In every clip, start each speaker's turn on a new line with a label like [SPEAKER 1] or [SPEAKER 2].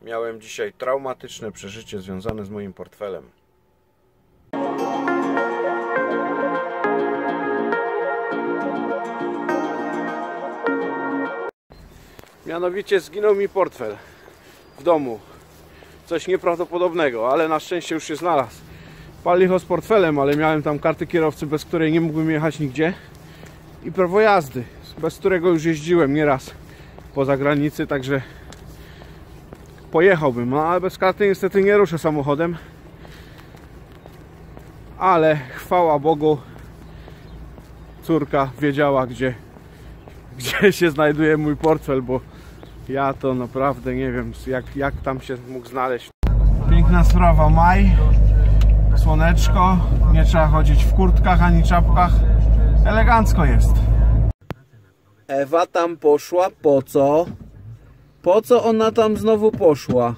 [SPEAKER 1] Miałem dzisiaj traumatyczne przeżycie związane z moim portfelem. Mianowicie zginął mi portfel w domu. Coś nieprawdopodobnego, ale na szczęście już się znalazł. Pal licho z portfelem, ale miałem tam karty kierowcy, bez której nie mógłbym jechać nigdzie. I prawo jazdy, bez którego już jeździłem nieraz poza granicy, także pojechałbym. No ale bez karty niestety nie ruszę samochodem. Ale chwała Bogu, córka wiedziała, gdzie się znajduje mój portfel, bo ja to naprawdę nie wiem, jak tam się mógł znaleźć. Piękna sprawa, maj, słoneczko, nie trzeba chodzić w kurtkach ani czapkach, elegancko jest. Ewa tam poszła, po co? Po co ona tam znowu poszła?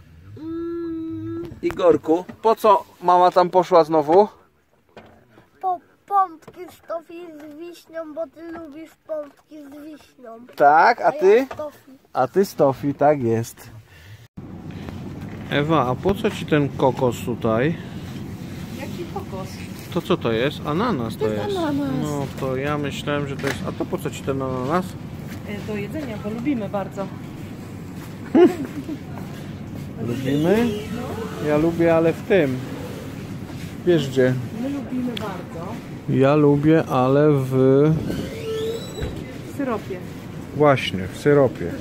[SPEAKER 1] Igorku, po co mama tam poszła znowu?
[SPEAKER 2] Po pompki z tofi z wiśnią, bo ty lubisz pompki z wiśnią.
[SPEAKER 1] Tak, a ty?
[SPEAKER 2] Ja z tofi.
[SPEAKER 1] A ty z tofi, tak jest. Ewa, a po co ci ten kokos tutaj?
[SPEAKER 3] Jaki kokos?
[SPEAKER 1] To co to jest? Ananas to jest.
[SPEAKER 3] Ananas.
[SPEAKER 1] No to ja myślałem, że to jest... A to po co ci ten ananas?
[SPEAKER 3] Do jedzenia, bo lubimy bardzo.
[SPEAKER 1] Lubimy? Ja lubię, ale w tym. Wiesz gdzie?
[SPEAKER 3] My lubimy bardzo.
[SPEAKER 1] Ja lubię, ale w...
[SPEAKER 3] W syropie.
[SPEAKER 1] Właśnie, w syropie.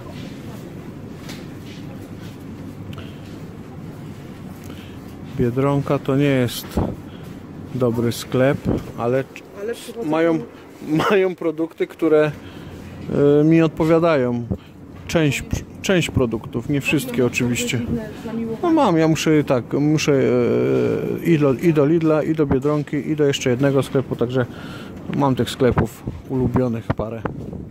[SPEAKER 1] Biedronka to nie jest dobry sklep, ale mają produkty, które mi odpowiadają. Część produktów, nie wszystkie oczywiście. No mam, ja muszę i do Lidla, i do Biedronki, i do jeszcze jednego sklepu, także mam tych sklepów ulubionych parę.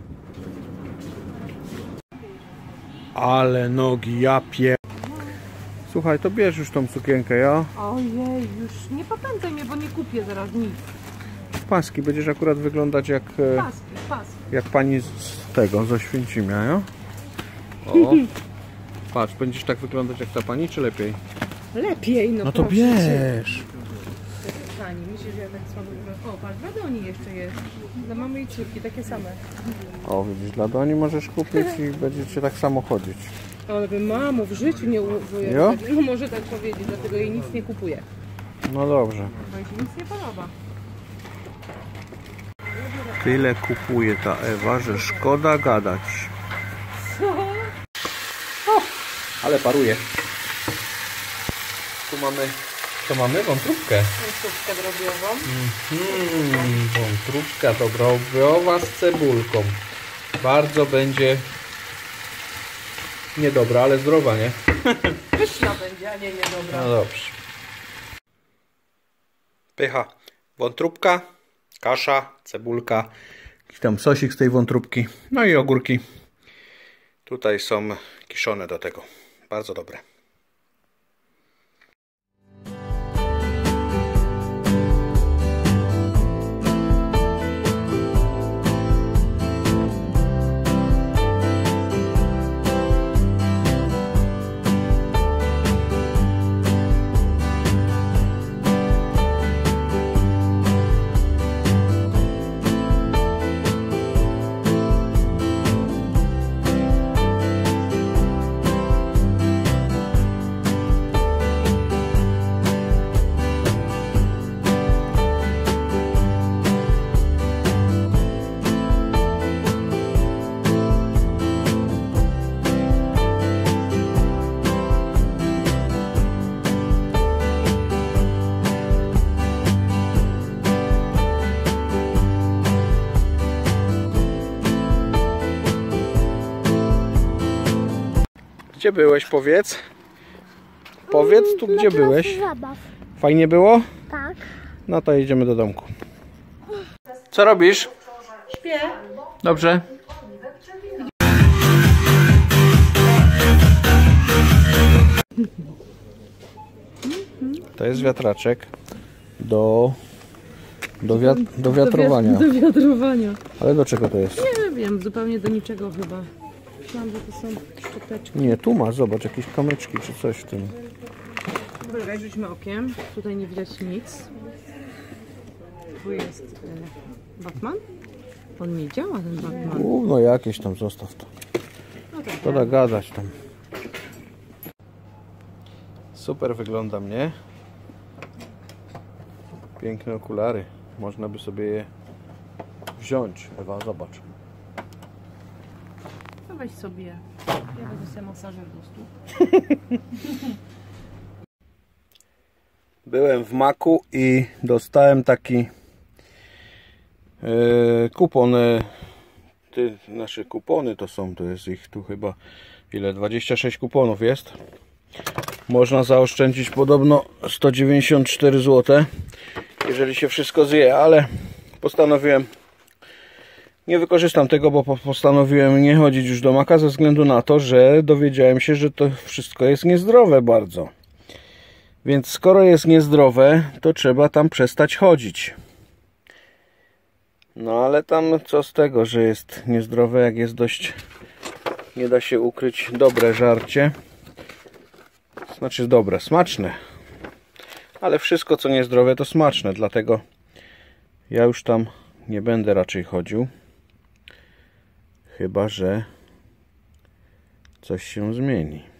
[SPEAKER 1] Ale nogi, ja pier... Słuchaj, to bierz już tą sukienkę, ja?
[SPEAKER 3] Ojej, już nie popędzaj mnie, bo nie kupię zaraz nic.
[SPEAKER 1] Paski, będziesz akurat wyglądać jak...
[SPEAKER 3] Paski.
[SPEAKER 1] Jak pani z tego, z Oświęcimia, ja? O, patrz, będziesz tak wyglądać jak ta pani, czy lepiej?
[SPEAKER 3] Lepiej,
[SPEAKER 1] No to bierz!
[SPEAKER 3] Pani, myślisz, że ja tak słabo wyglądam? O, patrz, dla Doni jeszcze jest. Dla mamy i córki, takie same.
[SPEAKER 1] O, widzisz, dla Doni możesz kupić i będziecie tak samo chodzić.
[SPEAKER 3] Ale by mamo w życiu nie
[SPEAKER 1] Jo?
[SPEAKER 3] no może tak powiedzieć, dlatego jej nic nie kupuję.
[SPEAKER 1] No dobrze.
[SPEAKER 3] Bo jej się nic nie podoba.
[SPEAKER 1] Tyle kupuje ta Ewa, że szkoda gadać. O, ale paruje. Tu mamy... Co mamy? Wątróbkę.
[SPEAKER 3] Wątróbkę drobiową.
[SPEAKER 1] Wątróbka drobiowa z cebulką. Bardzo będzie niedobra, ale zdrowa, nie?
[SPEAKER 3] Pyszna będzie, a nie niedobra.
[SPEAKER 1] No dobrze. Pycha. Wątróbka, kasza, cebulka, jakiś tam sosik z tej wątróbki, no i ogórki. Tutaj są kiszone do tego. Bardzo dobre. Gdzie byłeś, powiedz? Powiedz tu, gdzie byłeś.
[SPEAKER 2] Zabaw.
[SPEAKER 1] Fajnie było?
[SPEAKER 2] Tak.
[SPEAKER 1] No to idziemy do domku. Co robisz?
[SPEAKER 3] Śpię.
[SPEAKER 1] Dobrze. To jest wiatraczek do wiatrowania.
[SPEAKER 3] Do wiatrowania.
[SPEAKER 1] Ale do czego to jest?
[SPEAKER 3] Nie wiem, zupełnie do niczego chyba. myślałam, że to są szczoteczki.
[SPEAKER 1] Nie, tu masz, zobacz, jakieś kamyczki czy coś w tym.
[SPEAKER 3] Dobra, rzućmy okiem. Tutaj nie widać nic. Tu jest Batman. On nie działa, ten Batman.
[SPEAKER 1] No jakieś tam, zostaw to.
[SPEAKER 3] No tak.
[SPEAKER 1] Szkoda gadać tam. Super wygląda mnie. Piękne okulary. Można by sobie je wziąć. Ewa, zobacz.
[SPEAKER 3] No weź sobie. Ja będę sobie masażer do stóp.
[SPEAKER 1] Byłem w Maku i dostałem taki kupon. Nasze kupony to są, to jest ich tu chyba ile? 26 kuponów jest. Można zaoszczędzić podobno 194 zł, jeżeli się wszystko zje, ale postanowiłem, nie wykorzystam tego, bo postanowiłem nie chodzić już do Maka ze względu na to, że dowiedziałem się, że to wszystko jest niezdrowe bardzo. Więc skoro jest niezdrowe, to trzeba tam przestać chodzić. No ale tam co z tego, że jest niezdrowe, jak jest dość, nie da się ukryć, dobre żarcie. Znaczy dobre, smaczne. Ale wszystko co niezdrowe to smaczne, dlatego ja już tam nie będę raczej chodził. Chyba że coś się zmieni.